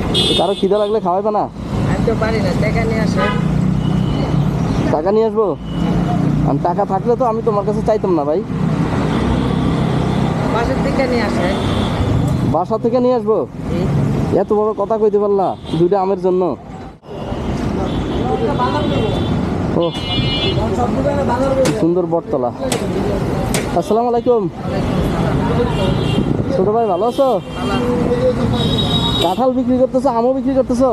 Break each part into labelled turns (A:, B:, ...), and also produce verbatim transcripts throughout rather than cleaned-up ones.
A: কারো খিদা লাগলে খাওয়াইবে না?
B: আমি তো পারি না, টাকা নিয়ে আসে।
A: টাকা নিয়ে আসবো? আমি টাকা থাকলে তো আমি তোমার কাছে চাইতাম না ভাই।
B: বাসার থেকে নিয়ে আসে।
A: বাসা থেকে নিয়ে আসবো? এত বড় কথা কইতে পারলা দুইটা আমের জন্য? ও সুন্দর বটতলা। আসসালামু আলাইকুম। ছোট ভাই ভালো আছো? কাঁঠাল বিক্রি করতেছো, আমও বিক্রি করতেছো?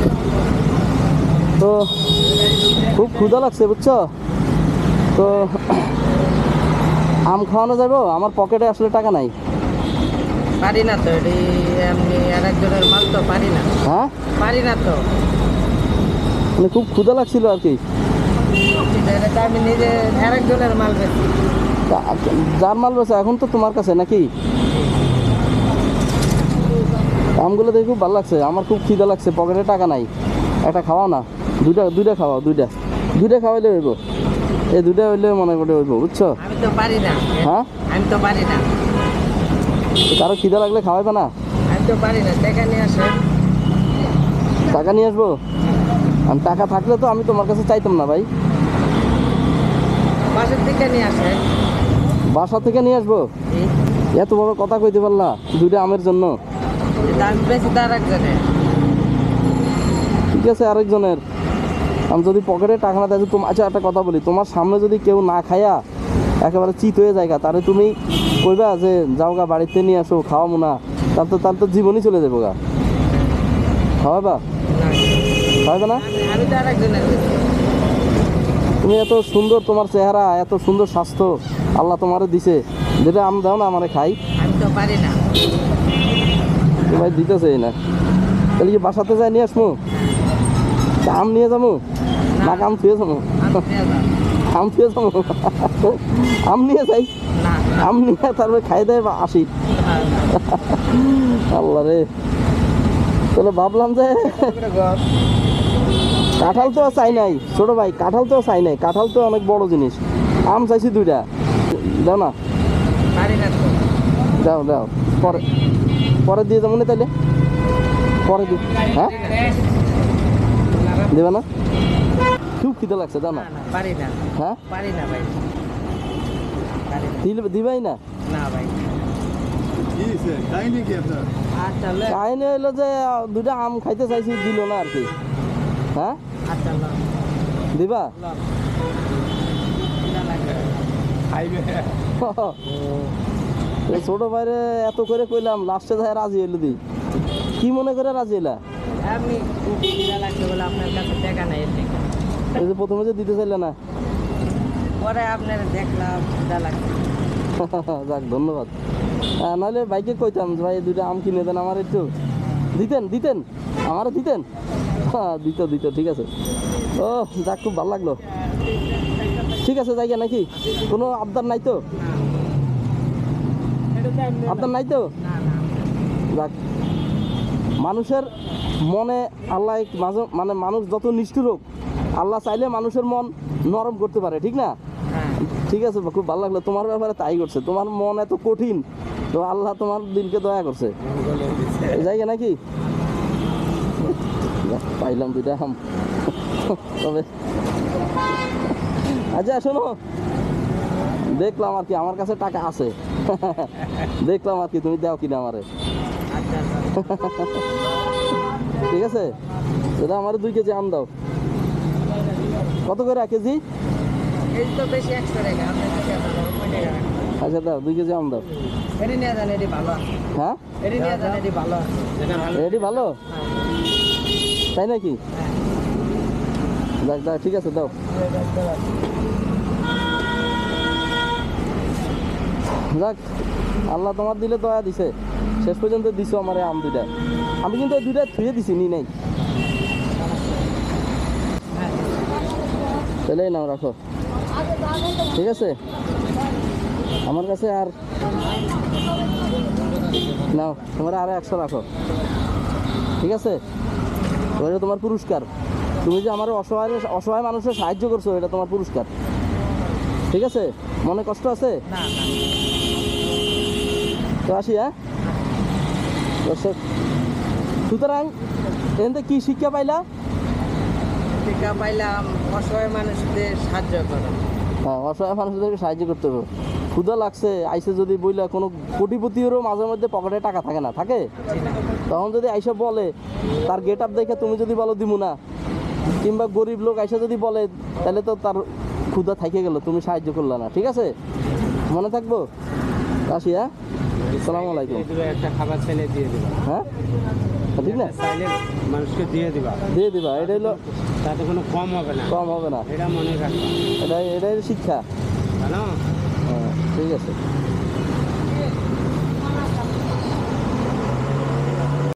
A: তো খুব ক্ষুধা লাগছে বুঝছো তো, আম খাওয়ানো যাবো? আমার পকেটে আসলে টাকা নাই।
B: পারি না তো, এটি এমনি আর একজনের মাল তো পারি না।
A: হ্যাঁ
B: পারি না তো,
A: মানে খুব ক্ষুধা লাগছিল আর কি।
B: এটা তো আমি নিজে আর একজনের মাল বেশি।
A: যার মাল বেছে এখন তো তোমার কাছে নাকি? আমগুলো দেখে খুব ভালো লাগছে, আমার খুব খিদা লাগছে, পকেটে টাকা নাই। একটা খাওয়াও না, দুইটা দুইটা খাওয়াও, দুইটা দুইটা খাওয়াইলে হইব। এই দুইটা হইলে মনে করে হইব বুঝছো?
B: আমি তো পারি না।
A: হ্যাঁ
B: আমি তো পারি না।
A: কারো খিদা লাগলে খাওয়াইবে না?
B: আমি তো পারি না, টাকা নিয়ে আসে।
A: টাকা নিয়ে আসবো? আমি টাকা থাকলে তো আমি তোমার কাছে চাইতাম না ভাই।
B: বাসার থেকে নিয়ে আসে।
A: বাসা থেকে নিয়ে আসবো? এত বড় কথা কইতে পারলা দুইটা আমের জন্য?
B: দাম বেশি তো আর একজনের।
A: ঠিক আছে আরেকজনের। আমি যদি পকেটে টাকা না দেয়, তোমার আচ্ছা একটা কথা বলি, তোমার সামনে যদি কেউ না খায়া একেবারে চিত হয়ে যায় তাহলে তুমি কইবা যে যাও গা বাড়িতে নিয়ে আসো খাওয়াবো না, তার তো তার তো জীবনই চলে যাবো গা। খাওয়াবা? খাওয়াবে না?
B: আমি তো আর একজনের বেশি।
A: তুমি এত সুন্দর, তোমার চেহারা, এত সুন্দর স্বাস্থ্য আল্লাহ তোমারে দিছে, যেটা আম দাও না আমারে খাই।
B: আমি তো পারি না।
A: ভাই দিতেছে না, তাহলে কি বাসাতে যাই নিয়ে আসবো? আম নিয়ে যাবো না আম থুয়ে যাবো? আম থুয়ে যাবো? আম নিয়ে যাই, আম নিয়ে তারপরে খাই দেয় বা আসি। আল্লাহ রে, তাহলে ভাবলাম যে কাঁঠাল তো চাই নাই ছোট ভাই, কাঁঠাল তো চাই নাই, কাঁঠাল তো অনেক বড় জিনিস। আম চাইছি দুইটা, দাও না? দাও দাও, পরে পরে দিয়ে যাবো না তাইলে? পরে দি হ্যাঁ দেবে না? খুব খিদে লাগছে, দাও না?
B: পারি না।
A: হ্যাঁ
B: পারি না ভাই,
A: দিলে দিবাই না?
B: না ভাই। আচ্ছা
A: কাহিনী হইলো যে দুইটা আম খাইতে চাইছি, দিল না আর কি। হ্যাঁ
B: আচ্ছা
A: দিবা? ছোট ভাইরে এত করে কইলাম, লাস্টে যায় রাজি হইলো। দি কি মনে করে রাজি হইলা?
B: আপনি খুব খিদা লাগছে বলে আপনার কাছে টাকা নাই, এর থেকে।
A: এই যে প্রথমে যে দিতে চাইলে না,
B: পরে আপনার দেখলাম খিদা লাগছে।
A: যাক ধন্যবাদ। হ্যাঁ নাহলে বাইকে কইতাম যে ভাই দুইটা আম কিনে দেন আমার, একটু দিতেন দিতেন আমারও দিতেন। হ্যাঁ দিত দিত ঠিক আছে। ও যাক খুব ভালো লাগলো। ঠিক আছে জায়গা নাকি? কোনো আবদার নাই তো? আবদার নাই তো? যাক, মানুষের মনে আল্লাহ মাঝে মানে মানুষ যত নিষ্ঠুর হোক, আল্লাহ চাইলে মানুষের মন নরম করতে পারে, ঠিক না? ঠিক আছে, খুব ভালো লাগলো। তোমার ব্যাপারে তাই করছে, তোমার মন এত কঠিন তো আল্লাহ তোমার দিলকে দয়া করছে। জায়গা নাকি? পাইলাম দুইটা আম। তবে আচ্ছা শোনো, দেখলাম আর কি আমার কাছে টাকা আছে, দেখলাম আর কি তুমি দাও কিনা আমারে। ঠিক আছে, এটা আমার দুই কেজি আম দাও। কত করে এক কেজি? আচ্ছা দাও, দুই কেজি আম দাও। হ্যাঁ এটি ভালো তাই নাকি? যাক যাক ঠিক আছে দাও। যাক আল্লাহ তোমার দিলে দয়া দিছে, শেষ পর্যন্ত দিছো আমার আম দুইটা। আমি কিন্তু এই দুইটা থুয়ে দিছি, নি নাই। তাহলে নাও রাখো, ঠিক আছে? আমার কাছে আর নাও, তোমার আরো একশো রাখো, ঠিক আছে? এটা তোমার পুরস্কার, তুমি যে আমার অসহায় অসহায় মানুষের সাহায্য করছো, এটা তোমার পুরস্কার, ঠিক আছে? মনে কষ্ট আছে তো আসি। হ্যাঁ দর্শক, সুতরাং এতে কি শিক্ষা পাইলা?
B: টিকা পাইলাম অসহায় মানুষদের সাহায্য করো।
A: হ্যাঁ, অসহায় মানুষদেরকে সাহায্য করতে হবে। ক্ষুধা লাগছে আইসে যদি বইলা, কোনো কোটিপতিরও মাঝে মধ্যে পকেটে টাকা থাকে না, থাকে? তখন যদি আইসা বলে, তার গেট আপ দেখে তুমি যদি বলো দিমু না, কিংবা গরিব লোক আইসা যদি বলে, তাহলে তো তার ক্ষুধা থাইকে গেল, তুমি সাহায্য করলে না। ঠিক আছে, মনে থাকবো। আসি, হ্যাঁ, আসসালামু আলাইকুম।
C: একটা খাবার চাইলে দিয়ে দিবা,
A: হ্যাঁ, ঠিক না,
C: চাইলে মানুষকে দিয়ে দিবা,
A: দিয়ে দিবা। এটা হলো
C: তাতে কোনো কম হবে না,
A: কম হবে না,
C: এটা মনে রাখবা,
A: এটাই এটাই শিক্ষা।
C: জানো?
A: হ্যাঁ, ঠিক আছে।